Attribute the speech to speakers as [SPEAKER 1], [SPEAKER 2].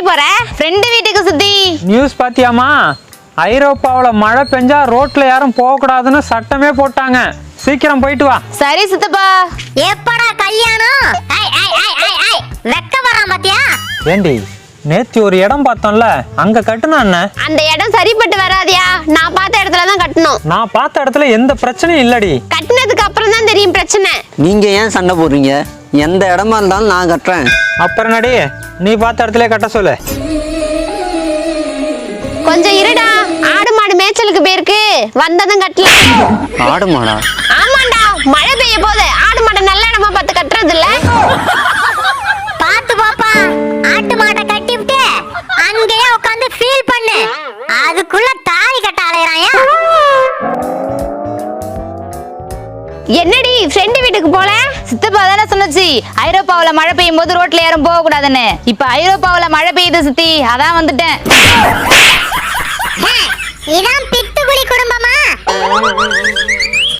[SPEAKER 1] போற? ஃப்ரெண்டு வீட்டுக்கு சித்தி.
[SPEAKER 2] நியூஸ் பாத்தியாமா? ஐரோப்பாவில் மழை பெஞ்சா ரோட்ல யாரும் போக கூடாதுன்னு சட்டமே போட்டாங்க. சீக்கிரம் போயிட்டு வா.
[SPEAKER 1] சரி சித்தப்பா.
[SPEAKER 3] எப்படா கல்யாணம்? வெக்க வரான் பாத்தியா?
[SPEAKER 2] ஏண்டி நேத்து ஒரு இடம் பார்த்தோம்ல, அங்க கட்டுனா என்ன?
[SPEAKER 1] அந்த இடம் சரிப்பட்டு வராதியா? நான் பார்த்த இடத்துல தான் கட்டணும்.
[SPEAKER 2] நான் பார்த்த இடத்துல எந்த பிரச்சனையும் இல்லடி.
[SPEAKER 1] கட்டினதுக்கு அப்புறம் தான் தெரியும் பிரச்சனை.
[SPEAKER 4] நீங்க ஏன் சண்டை போடுறீங்க? எந்த இடமா இருந்தாலும் நான் கட்டுறேன்.
[SPEAKER 2] அப்புறம் நடி, நீ பார்த்த இடத்துல கட்ட சொல்லு.
[SPEAKER 1] கொஞ்சம் இருடா, ஆடு மாடு மேய்ச்சலுக்கு போயிருக்கு, வந்ததும் கட்டலாம்.
[SPEAKER 4] ஆடு மாடா?
[SPEAKER 1] ஆமாண்டா, மழை பெய்ய போது ஆடு மாடு நல்ல இடமா பார்த்து கட்டுறது இல்ல.
[SPEAKER 3] பாத்து பாப்பா, ஆட்டு மாட்டை கட்டி விட்டு அங்கேயே உட்காந்து ஃபீல் பண்ணு. அதுக்குள்ள தாலி கட்ட அலையறாயா?
[SPEAKER 1] என்னடி ஃப்ரெண்டு வீட்டுக்கு போல?
[SPEAKER 5] சித்தப்பா தானே சொன்னச்சு ஐரோப்பாவில் மழை பெய்யும் போது ரோட்ல யாரும் போக கூடாதுன்னு. இப்ப ஐரோப்பாவில் மழை பெய்யுது சித்தி, அதான் வந்துட்டேன்.
[SPEAKER 3] இதான் பித்துக்குளி குடும்பமா?